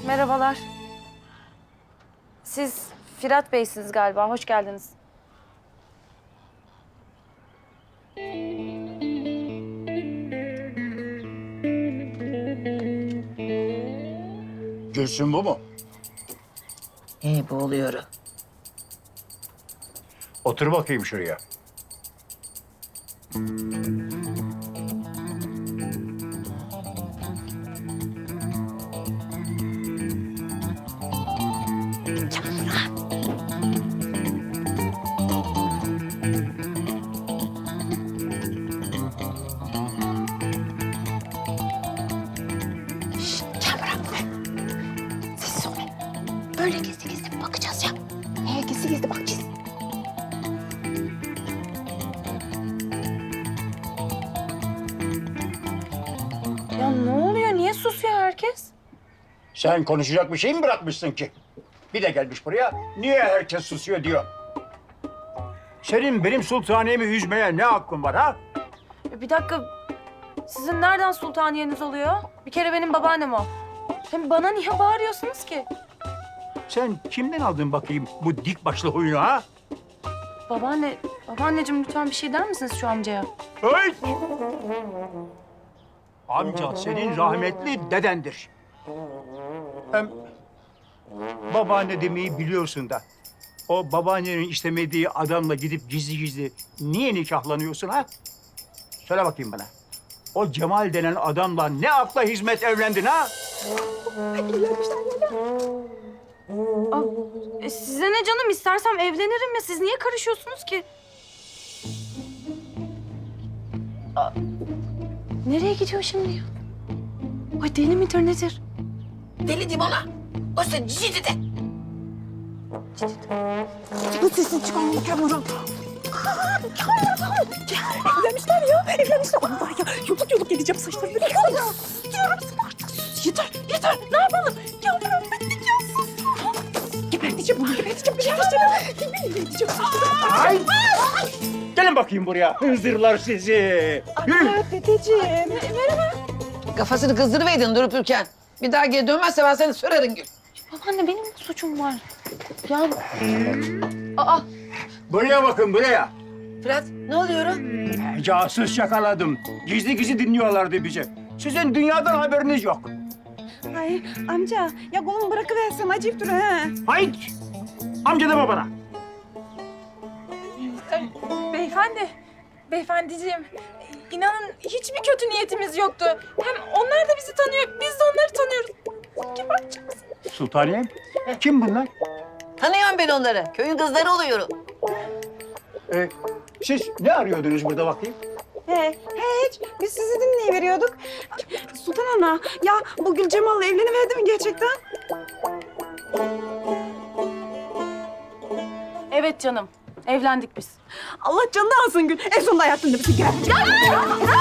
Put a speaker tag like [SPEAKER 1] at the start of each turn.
[SPEAKER 1] Merhabalar. Siz Firat Bey'siniz galiba. Hoş geldiniz.
[SPEAKER 2] Gülsün bu mu?
[SPEAKER 3] Bu oluyor.
[SPEAKER 2] Otur bakayım şuraya.
[SPEAKER 3] Sessiz ol. Böyle gizli gizli bakacağız ya. Gizli gizli bakacağız.
[SPEAKER 1] Ya ne oluyor? Niye susuyor herkes?
[SPEAKER 2] Sen konuşacak bir şey mi bırakmışsın ki? Bir de gelmiş buraya, niye herkes susuyor diyor. Senin benim sultaniyemi üzmeye ne hakkın var ha?
[SPEAKER 1] Bir dakika. Sizin nereden sultaniyeniz oluyor? Bir kere benim babaannem o. Hem bana niye bağırıyorsunuz ki?
[SPEAKER 2] Sen kimden aldın bakayım bu dik başlı huyunu ha?
[SPEAKER 1] Babaanneciğim lütfen bir şey der misiniz şu amcaya?
[SPEAKER 2] Hey! Amca senin rahmetli dedendir. Hem babaanne demeyi biliyorsun da. O babaannenin istemediği adamla gidip gizli gizli niye nikahlanıyorsun ha? Söyle bakayım bana. O Cemal denen adamla ne akla hizmet evlendin ha?
[SPEAKER 1] Size ne canım? İstersem evlenirim ya. Siz niye karışıyorsunuz ki? Nereye gidiyor şimdi ya? Ay deli midir nedir?
[SPEAKER 3] Deli diyeyim ona. O sen cici de.
[SPEAKER 4] Bu sesin çıkarma Kamuran. Evlenmişler ya, evlenmişler. Allah ya, yoluk yoluk geleceğim saçlarımı. Ya, diyorum sana artık sus. Yeter, ne yapalım? Yavrum ben nikahsız. Geberteceğim bunu, geberteceğim. Yemin edeceğim.
[SPEAKER 2] Ay! Gelin bakayım buraya, hınzırlar sizi. Yürü.
[SPEAKER 4] Dedeciğim.
[SPEAKER 3] Kafasını kızdırıverdin durup dururken. Bir daha geri dönmezse ben seni sürerim Gül.
[SPEAKER 1] Babaanne benim ne suçum var? Ya... Aa!
[SPEAKER 2] Buraya bakın, buraya.
[SPEAKER 3] Fırat ne oluyor?
[SPEAKER 2] Casus yakaladım. Gizli gizli dinliyorlardı bizi. Sizin dünyadan haberiniz yok.
[SPEAKER 4] Ay amca, ya kolumu bırakıversem acayip dur ha.
[SPEAKER 2] Hayır. Amca deme bana.
[SPEAKER 5] Beyefendiciğim, inanın hiçbir kötü niyetimiz yoktu. Hem onlar da bizi tanıyor, biz de onları tanıyoruz. Gebertecek misin?
[SPEAKER 2] Sultaniyem, kim bunlar?
[SPEAKER 3] Tanıyorum ben onları. Köyün kızları oluyorum.
[SPEAKER 2] Siz ne arıyordunuz burada bakayım?
[SPEAKER 4] Hiç. Biz sizi dinleyiveriyorduk. Sultan Ana, ya bu Gül Cemal'la evleniverdi mi gerçekten?
[SPEAKER 1] Evet canım. Evlendik biz.
[SPEAKER 4] Allah canını alsın Gül. En sonunda hayatında bizi gel.